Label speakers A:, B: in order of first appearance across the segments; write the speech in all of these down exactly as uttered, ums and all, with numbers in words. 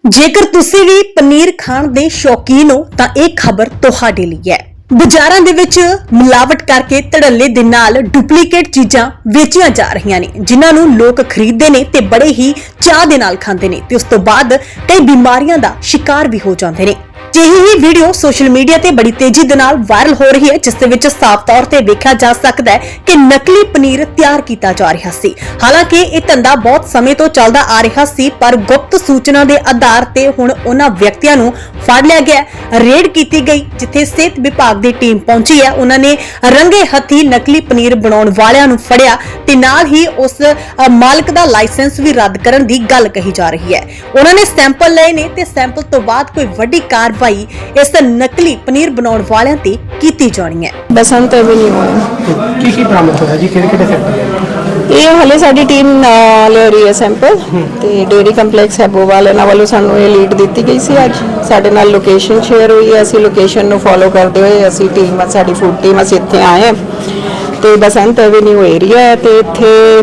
A: ਜੇਕਰ ਤੁਸੀਂ ਵੀ ਪਨੀਰ ਖਾਣ ਦੇ ਸ਼ੌਕੀਨ ਹੋ ਤਾਂ ਇਹ ਖਬਰ ਤੁਹਾਡੇ ਲਈ ਹੈ। ਬਾਜ਼ਾਰਾਂ ਦੇ ਵਿੱਚ ਮਿਲਾਵਟ ਕਰਕੇ ਧੜੱਲੇ ਦੇ ਨਾਲ ਡੁਪਲੀਕੇਟ ਚੀਜ਼ਾਂ ਵੇਚੀਆਂ ਜਾ ਰਹੀਆਂ ਨੇ, ਜਿਨ੍ਹਾਂ ਨੂੰ ਲੋਕ ਖਰੀਦਦੇ ਨੇ ਤੇ ਬੜੇ ਹੀ ਚਾਅ ਦੇ ਨਾਲ ਖਾਂਦੇ ਨੇ ਤੇ ਉਸ ਤੋਂ ਬਾਅਦ ਕਈ ਬਿਮਾਰੀਆਂ ਦਾ ਸ਼ਿਕਾਰ ਵੀ ਹੋ ਜਾਂਦੇ ਨੇ। ਜਿਹੀ ਹੀ ਵੀਡੀਓ ਸੋਸ਼ਲ ਮੀਡੀਆ ਤੇ ਬੜੀ ਤੇਜ਼ੀ ਦੇ ਨਾਲ ਵਾਇਰਲ ਹੋ ਰਹੀ ਹੈ, ਜਿਸ ਦੇ ਵਿੱਚ ਸਾਫ਼ ਤੌਰ ਤੇ ਵੇਖਿਆ ਜਾ ਸਕਦਾ ਹੈ ਕਿ ਨਕਲੀ ਪਨੀਰ ਤਿਆਰ ਕੀਤਾ ਜਾ ਰਿਹਾ ਸੀ। ਹਾਲਾਂਕਿ ਇਹ ਧੰਦਾ ਬਹੁਤ ਸਮੇਂ ਤੋਂ ਚੱਲਦਾ ਆ ਰਿਹਾ ਸੀ, ਪਰ ਗੁਪਤ ਸੂਚਨਾ ਦੇ ਆਧਾਰ ਤੇ ਹੁਣ ਉਹਨਾਂ ਵਿਅਕਤੀਆਂ ਨੂੰ ਫੜ ਲਿਆ ਗਿਆ। ਰੇਡ ਕੀਤੀ ਗਈ, ਜਿੱਥੇ ਸਿਹਤ ਵਿਭਾਗ ਦੀ ਟੀਮ ਪਹੁੰਚੀ ਹੈ। ਉਹਨਾਂ ਨੇ ਰੰਗੇ ਹੱਥੀ ਨਕਲੀ ਪਨੀਰ ਬਣਾਉਣ ਵਾਲਿਆਂ ਨੂੰ ਫੜਿਆ ਤੇ ਨਾਲ ਹੀ ਉਸ ਮਾਲਕ ਦਾ ਲਾਇਸੈਂਸ ਵੀ ਰੱਦ ਕਰਨ ਦੀ ਗੱਲ ਕਹੀ ਜਾ ਰਹੀ ਹੈ। ਉਹਨਾਂ ਨੇ ਸੈਂਪਲ ਲਏ ਨੇ ਤੇ ਸੈਂਪਲ ਤੋਂ ਬਾਅਦ ਕੋਈ ਵੱਡੀ ਕਾਰਵਾਈ ਇਸ ਨਕਲੀ ਪਨੀਰ ਬਣਾਉਣ ਵਾਲਿਆਂ ਤੇ ਕੀਤੀ ਜਾਣੀ ਹੈ।
B: ਬਸੰਤ ਐਵਨਿਊ ਹੈ।
C: ਕੀ ਕੀ ਬਰਾਮਦ ਹੋਇਆ ਜੀ, ਕਿਹੜੇ ਕਿਹੜੇ ਸੈਂਪਲ?
B: ਇਹ ਹਲੇ ਸਾਡੀ ਟੀਮ ਲੈ ਰਹੀ ਹੈ ਸੈਂਪਲ ਤੇ ਡੇਰੀ ਕੰਪਲੈਕਸ ਹੈਬੋਵਾਲ ਇਹਨਾਂ ਵੱਲੋਂ ਸਾਨੂੰ ਇਹ ਲੀਡ ਦਿੱਤੀ ਗਈ ਸੀ। ਅੱਜ ਸਾਡੇ ਨਾਲ ਲੋਕੇਸ਼ਨ ਸ਼ੇਅਰ ਹੋਈ ਹੈ। ਅਸੀਂ ਲੋਕੇਸ਼ਨ ਨੂੰ ਫੋਲੋ ਕਰਦੇ ਹੋਏ ਅਸੀਂ ਟੀਮ ਸਾਡੀ ਫੂਡ ਟੀਮ ਅਸੀਂ ਇੱਥੇ ਆਏ ਹਾਂ ਤੇ ਬਸੰਤ ਐਵਨਿਊ ਏਰੀਆ ਹੈ ਤੇ ਇੱਥੇ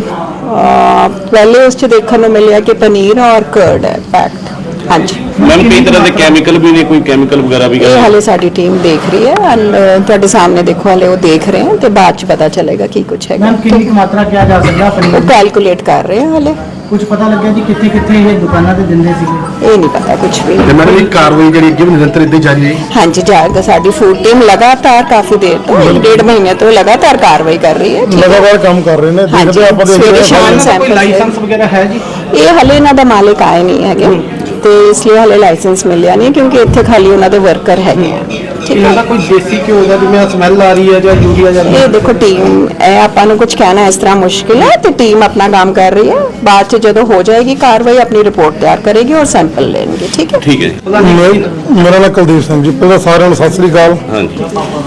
B: ਪਹਿਲੇ ਉਸ 'ਚ ਦੇਖਣ ਨੂੰ ਮਿਲਿਆ ਕਿ ਪਨੀਰ ਔਰ ਕਰਡ ਹੈ ਪੈਕਡ। ਹਾਂਜੀ
D: ਮੈਮ, ਕਈ ਤਰ੍ਹਾਂ ਦੇ ਕੈਮੀਕਲ ਵੀ ਨੇ, ਕੋਈ ਕੈਮੀਕਲ ਵਗੈਰਾ ਵੀ
B: ਇਹ ਹਲੇ ਸਾਡੀ ਟੀਮ ਦੇਖ ਰਹੀ ਹੈ ਐਂਡ ਤੁਹਾਡੇ ਸਾਹਮਣੇ ਦੇਖੋ ਹਲੇ ਉਹ ਦੇਖ ਰਹੇ ਹਨ ਤੇ ਬਾਅਦ 'ਚ ਪਤਾ ਚੱਲੇਗਾ ਕੀ ਕੁਝ ਹੈਗਾ।
C: ਮੈਮ ਕਿੰਨੀ ਕੁ ਮਾਤਰਾ ਕਿਹਾ ਜਾ ਸਕਦਾ ਪਨੀਰ
B: ਉਹ ਕੈਲਕੂਲੇਟ ਕਰ ਰਹੇ ਹਾਂ ਹਲੇ।
C: ਕੁਝ ਪਤਾ ਲੱਗਿਆ ਜੀ ਕਿੱਥੇ ਕਿੱਥੇ ਇਹ ਦੁਕਾਨਾਂ ਤੇ ਦਿੰਦੇ ਸੀਗੇ?
B: ਇਹ ਨਹੀਂ ਪਤਾ ਕੁਝ ਵੀ।
E: ਤੇ ਮੈਡਮ ਇਹ ਕਾਰਵਾਈ ਜਿਹੜੀ ਅੱਗੇ ਵੀ ਨਿਰੰਤਰ ਇੱਦਾਂ ਜਾਰੀ ਹੈ?
B: ਹਾਂਜੀ ਜਾਏਗਾ। ਸਾਡੀ ਫੂਡ ਟੀਮ ਲਗਾਤਾਰ ਕਾਫੀ ਦੇਰ ਤੋਂ ਇੱਕ ਡੇਢ ਮਹੀਨੇ ਤੋਂ ਲਗਾਤਾਰ ਕਾਰਵਾਈ ਕਰ ਰਹੀ ਹੈ।
E: ਲਗਾਤਾਰ ਕੰਮ ਕਰ ਰਹੇ ਨੇ, ਦੇਖਦੇ ਆਪਾਂ
B: ਸਵੇਰੇ ਸ਼ਾਮ
C: ਕੋਈ
B: ਸੈਂਪਲ
C: ਲਾਇਸੈਂਸ ਵਗੈਰਾ ਹੈ ਜੀ?
B: ਇਹ ਹਲੇ ਇਹਨਾਂ ਦਾ ਮਾਲਕ ਆਏ ਨਹੀਂ ਹੈਗੇ ਤੇ ਇਸ ਲਈ ਹਲੇ ਲਾਇਸੈਂਸ ਮਿਲਿਆ ਨਹੀਂ, ਕਿਉਂਕਿ ਇੱਥੇ ਖਾਲੀ ਉਹਨਾਂ ਦੇ ਵਰਕਰ ਹੈਗੇ ਆ। ਠੀਕ
C: ਇਹਨਾਂ ਦਾ
B: ਹੈ।
C: ਕੋਈ ਦੇਸੀ ਘਿਓ ਦਾ ਜਿਵੇਂ ਸਮੈਲ ਆ ਰਹੀ ਹੈ ਜਾਂ ਯੂਰੀਆ ਜਾਂ
B: ਇਹ ਦੇਖੋ ਟੀਮ ਇਹ ਆਪਾਂ ਨੂੰ ਕੁਝ ਕਹਿਣਾ ਇਸ ਤਰ੍ਹਾਂ ਮੁਸ਼ਕਿਲ ਹੈ ਤੇ ਟੀਮ ਆਪਣਾ ਕੰਮ ਕਰ ਰਹੀ ਹੈ। ਬਾਅਦ ਚ ਜਦੋਂ ਹੋ ਜਾਏਗੀ ਕਾਰਵਾਈ ਆਪਣੀ ਰਿਪੋਰਟ ਤਿਆਰ ਕਰੇਗੀ ਔਰ ਸੈਂਪਲ ਲੈਣਗੇ। ਠੀਕ ਹੈ
D: ਠੀਕ ਹੈ ਜੀ।
E: ਮੇਰਾ ਨਾਮ ਕੁਲਦੀਪ ਸਿੰਘ ਜੀ। ਪਹਿਲਾਂ ਸਾਰਿਆਂ ਨੂੰ ਸਤਿ ਸ੍ਰੀ ਅਕਾਲ।
D: ਹਾਂਜੀ,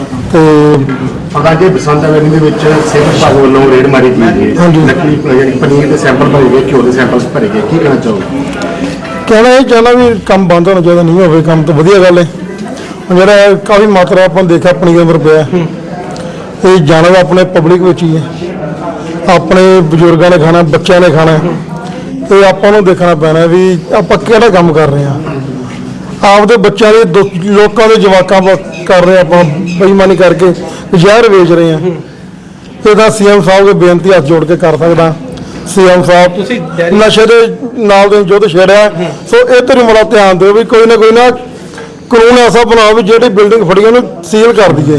E: ਤੇ
F: ਪਤਾ ਕਿ ਬਸੰਤ ਐਵਨਿਊ ਦੇ ਵਿੱਚ ਸਿਹਤ ਵਿਭਾਗ ਵੱਲੋਂ ਰੇਡ ਮਾਰੀ ਗਈ ਹੈ।
E: ਹਾਂਜੀ।
F: ਨਕਲੀ ਯਾਨੀ ਪਨੀਰ ਦੇ ਸੈਂਪਲ ਭਰੇ ਗਏ, ਘਿਓ ਦੇ ਸੈਂਪਲ ਭਰੇ ਗਏ, ਕੀ ਕਹਿਣਾ ਚਾਹੋਗੇ?
E: ਕਹਿਣਾ ਇਹ ਚਾਹੁੰਦਾ ਵੀ ਕੰਮ ਬੰਦ ਹੋਣਾ ਚਾਹੀਦਾ, ਨਹੀਂ ਹੋਵੇ ਕੰਮ ਤਾਂ ਵਧੀਆ ਗੱਲ ਹੈ। ਹੁਣ ਜਿਹੜਾ ਕਾਫੀ ਮਾਤਰਾ ਆਪਾਂ ਦੇਖਿਆ ਪਨੀਰ ਅੰਦਰ ਪਿਆ, ਇਹ ਜਾਣਾ ਤਾਂ ਆਪਣੇ ਪਬਲਿਕ ਵਿੱਚ ਹੀ ਹੈ। ਆਪਣੇ ਬਜ਼ੁਰਗਾਂ ਨੇ ਖਾਣਾ, ਬੱਚਿਆਂ ਨੇ ਖਾਣਾ, ਇਹ ਆਪਾਂ ਨੂੰ ਦੇਖਣਾ ਪੈਣਾ ਵੀ ਆਪਾਂ ਕਿਹੜਾ ਕੰਮ ਕਰ ਰਹੇ ਹਾਂ। ਆਪਦੇ ਬੱਚਿਆਂ ਦੇ ਦੁ- ਲੋਕਾਂ ਦੇ ਜਵਾਕਾਂ ਵਾ- ਕਰ ਰਹੇ ਆਪਾਂ ਬੇਈਮਾਨੀ ਕਰਕੇ ਜ਼ਹਿਰ ਵੇਚ ਰਹੇ ਹਾਂ। ਇਹਦਾ ਸੀਐਮ ਸਾਹਿਬ ਦੇ ਬੇਨਤੀ ਹੱਥ ਜੋੜ ਕੇ ਕਰ ਸਕਦਾ। ਸੀਐਮ ਸਾਹਿਬ
C: ਤੁਸੀਂ ਡੈਰੀ-
E: ਨਸ਼ੇ ਦੇ ਨਾਲ ਦੇ ਯੁੱਧ ਛੇੜਿਆ, ਸੋ ਇਹ ਤੇ ਮੜਾ ਧਿਆਨ ਦਿਓ ਵੀ ਕੋਈ ਨਾ ਕੋਈ ਨਾ ਕਾਨੂੰਨ ਐਸਾ ਬਣਾਓ ਵੀ ਜਿਹੜੀ ਬਿਲਡਿੰਗ ਫੜੀ ਉਹਨੂੰ ਸੀਲ ਕਰ ਦਈਏ।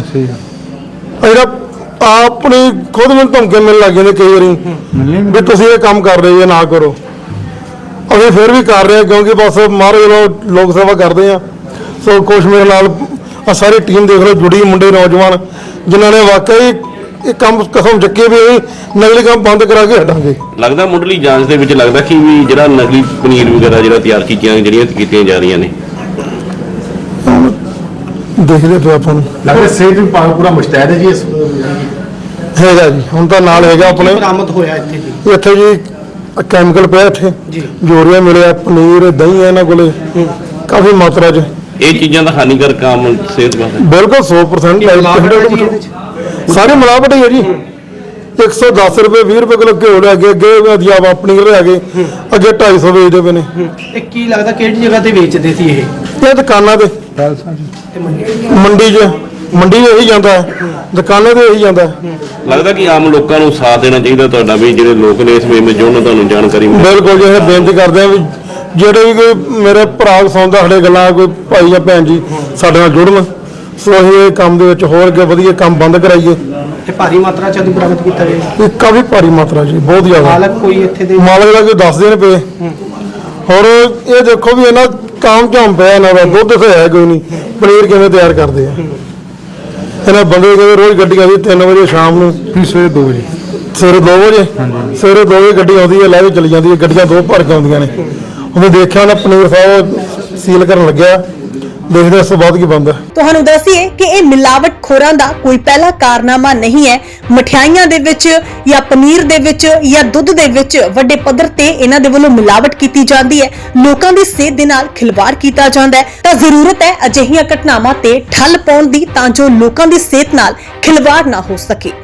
E: ਇਹਦਾ ਆਪਣੀ ਖੁਦ ਮੈਨੂੰ ਧਮਕੇ ਮਿਲਣ ਲੱਗ ਜਾਂਦੇ ਕਈ ਵਾਰੀ ਵੀ ਤੁਸੀਂ ਇਹ ਕੰਮ ਕਰ ਰਹੇ ਜੇ ਨਾ ਕਰੋ। ਅਸੀਂ ਫਿਰ ਵੀ ਕਰ ਰਹੇ ਹਾਂ ਕਿਉਂਕਿ ਬਸ ਮਹਾਰਾਜ ਵੱਲੋਂ ਲੋਕ ਸੇਵਾ ਕਰਦੇ ਆ। ਸੋ ਕੁਛ ਮੇਰੇ ਨਾਲ ਆ ਸਾਰੀ ਟੀਮ ਦੇਖ ਲਓ ਜੁੜੀ ਮੁੰਡੇ ਨੌਜਵਾਨ ਜਿਨ੍ਹਾਂ ਨੇ ਵਾਕਈ ਇਹ ਕੰਮ ਕਸਮ ਚੱਕੀ ਵੀ ਅਸੀਂ ਨਕਲੀ ਕੰਮ ਬੰਦ ਕਰਾ ਕੇ ਹਟਾਂਗੇ।
D: ਲੱਗਦਾ ਮੁੱਢਲੀ ਜਾਂਚ ਦੇ ਵਿੱਚ ਲੱਗਦਾ ਕਿ ਵੀ ਜਿਹੜਾ ਨਕਲੀ ਪਨੀਰ ਵਗੈਰਾ ਜਿਹੜਾ ਤਿਆਰ ਕੀਤੀਆਂ ਜਿਹੜੀਆਂ ਕੀਤੀਆਂ ਜਾ ਰਹੀਆਂ ਨੇ,
E: ਦੇਖਦੇ ਪਏ ਆਪਾਂ ਨੂੰ
F: ਲੱਗਦਾ ਸਿਹਤ ਵਿਭਾਗ ਪੂਰਾ ਮੁਸ਼ਤੈਦ ਹੈ ਜੀ ਇਸ
E: ਹੈਗਾ ਜੀ। ਹੁਣ ਤਾਂ ਨਾਲ ਹੈਗਾ ਆਪਣੇ
C: ਬਰਾਮਦ ਹੋਇਆ ਇੱਥੇ ਜੀ?
E: ਇੱਥੇ ਜੀ ਕੈਮੀਕਲ ਪਿਆ, ਇੱਥੇ
C: ਜੀ।
E: ਯੂਰੀਆ ਮਿਲਿਆ, ਪਨੀਰ ਦਹੀਂ ਹੈ ਇਹਨਾਂ ਕੋਲੇ ਕਾਫੀ ਮਾਤਰਾ 'ਚ।
D: ਇਹ ਚੀਜ਼ਾਂ ਦਾ ਹਾਨੀਕਾਰਕ ਕੰਮ ਸਿਹਤ ਵਾਸਤੇ
E: ਬਿਲਕੁਲ ਸੌ ਪਰਸੈਂਟ ਸਾਰੀ ਮਿਲਾਵਟ ਹੀ ਹੈ ਜੀ। ਇੱਕ ਸੌ ਦਸ ਰੁਪਏ ਵੀਹ ਰੁਪਏ ਕਿਲੋ ਘਿਓ ਲੈ ਕੇ ਅੱਗੇ ਵਧੀਆ ਪਨੀਰ ਲੈ ਕੇ ਅੱਗੇ ਢਾਈ ਸੌ ਵੇਚਦੇ ਪਏ ਨੇ।
C: ਇਹ ਕੀ ਲੱਗਦਾ ਕਿਹੜੀ ਜਗ੍ਹਾ ਤੇ ਵੇਚਦੇ ਸੀ ਇਹ?
E: ਇਹ ਦੁਕਾਨਾਂ ਤੇ ਮੰਡੀ 'ਚ ਮੰਡੀ 'ਚ ਇਹੀ ਜਾਂਦਾ ਹੈ, ਦੁਕਾਨਾਂ ਤੇ ਇਹੀ ਜਾਂਦਾ ਹੈ।
D: ਲੱਗਦਾ ਕਿ ਆਮ ਲੋਕਾਂ ਨੂੰ ਸਾਥ ਦੇਣਾ ਚਾਹੀਦਾ ਤੁਹਾਡਾ ਵੀ ਜਿਹੜੇ ਲੋਕ ਨੇ ਇਸ ਵੇਲੇ ਜੁੜਨ, ਤੁਹਾਨੂੰ ਜਾਣਕਾਰੀ ਮਿਲੇ।
E: ਬਿਲਕੁਲ ਜੀ, ਇਹ ਬੇਨਤੀ ਕਰਦੇ ਆ ਵੀ ਜਿਹੜੇ ਵੀ ਕੋਈ ਮੇਰੇ ਭਰਾ ਸੁਣਦਾ ਸਾਡੇ ਗੱਲਾਂ, ਕੋਈ ਭਾਈ ਜਾਂ ਭੈਣ ਜੀ ਸਾਡੇ ਨਾਲ ਜੁੜਨ। ਸੋ ਅਸੀਂ ਇਹ ਕੰਮ ਦੇ ਵਿੱਚ ਹੋਰ ਅੱਗੇ ਵਧੀਆ ਕੰਮ ਬੰਦ ਕਰਾਈਏ।
C: ਤੇ ਭਾਰੀ ਮਾਤਰਾ ਚ ਬਰਾਮਦ ਕੀਤਾ ਗਿਆ?
E: ਇਹ ਕਾਫੀ ਭਾਰੀ ਮਾਤਰਾ ਜੀ, ਬਹੁਤ ਜ਼ਿਆਦਾ।
C: ਮਾਲਕ ਕੋਈ ਇੱਥੇ ਦੇ?
E: ਮਾਲਕ ਦਾ ਕੋਈ ਦੱਸ ਦੇਣ ਪਏ। ਹੋਰ ਇਹ ਦੇਖੋ ਵੀ ਇਹਨਾਂ ਕੰਮ ਝਾਮ ਪਿਆ ਇਹਨਾਂ ਦਾ, ਦੁੱਧ ਤੇ ਹੈ ਕੋਈ ਨਹੀਂ, ਪਨੀਰ ਕਿਵੇਂ ਤਿਆਰ ਕਰਦੇ ਆ ਇਹਨਾਂ ਬੰਦੇ। ਕਹਿੰਦੇ ਰੋਜ਼ ਗੱਡੀਆਂ ਦੀ ਤਿੰਨ ਵਜੇ ਸ਼ਾਮ ਨੂੰ,
F: ਸਵੇਰੇ ਦੋ ਵਜੇ
E: ਸਵੇਰੇ ਦੋ ਵਜੇ ਸਵੇਰੇ ਦੋ ਵਜੇ ਗੱਡੀ ਆਉਂਦੀ ਹੈ, ਲੈ ਕੇ ਚਲੀ ਜਾਂਦੀ ਹੈ। ਗੱਡੀਆਂ ਦੋ ਭਰ ਕੇ ਆਉਂਦੀਆਂ ਨੇ। ਉਹਨੇ ਦੇਖਿਆ ਉਹਨਾਂ ਪਨੀਰ ਸਾਹਿਬ ਸੀਲ ਕਰਨ ਲੱਗਿਆ, ਦੇਖਦੇ ਇਸ ਤੋਂ ਬਾਅਦ ਕੀ ਬਣਦਾ।
A: ਤੁਹਾਨੂੰ ਦੱਸੀਏ ਕਿ ਇਹ ਮਿਲਾਵਟ ਖੋਰਾਂ ਦਾ ਕੋਈ ਪਹਿਲਾ ਕਾਰਨਾਮਾ ਨਹੀਂ ਹੈ। ਮਠਿਆਈਆਂ ਦੇ ਵਿੱਚ ਜਾਂ ਪਨੀਰ ਦੇ ਵਿੱਚ ਜਾਂ ਦੁੱਧ ਦੇ ਵਿੱਚ ਵੱਡੇ ਪੱਧਰ ਤੇ ਇਹਨਾਂ ਦੇ ਵੱਲੋਂ ਮਿਲਾਵਟ ਕੀਤੀ ਜਾਂਦੀ ਹੈ। ਲੋਕਾਂ ਦੀ ਸਿਹਤ ਦੇ ਨਾਲ ਖਿਲਵਾੜ ਕੀਤਾ ਜਾਂਦਾ ਹੈ। ਤਾਂ ਜ਼ਰੂਰਤ ਹੈ ਅਜਿਹੀਆਂ ਘਟਨਾਵਾਂ ਤੇ ਠੱਲ ਪਾਉਣ ਦੀ, ਤਾਂ ਜੋ ਲੋਕਾਂ ਦੀ ਸਿਹਤ ਨਾਲ ਖਿਲਵਾੜ ਨਾ ਹੋ ਸਕੇ।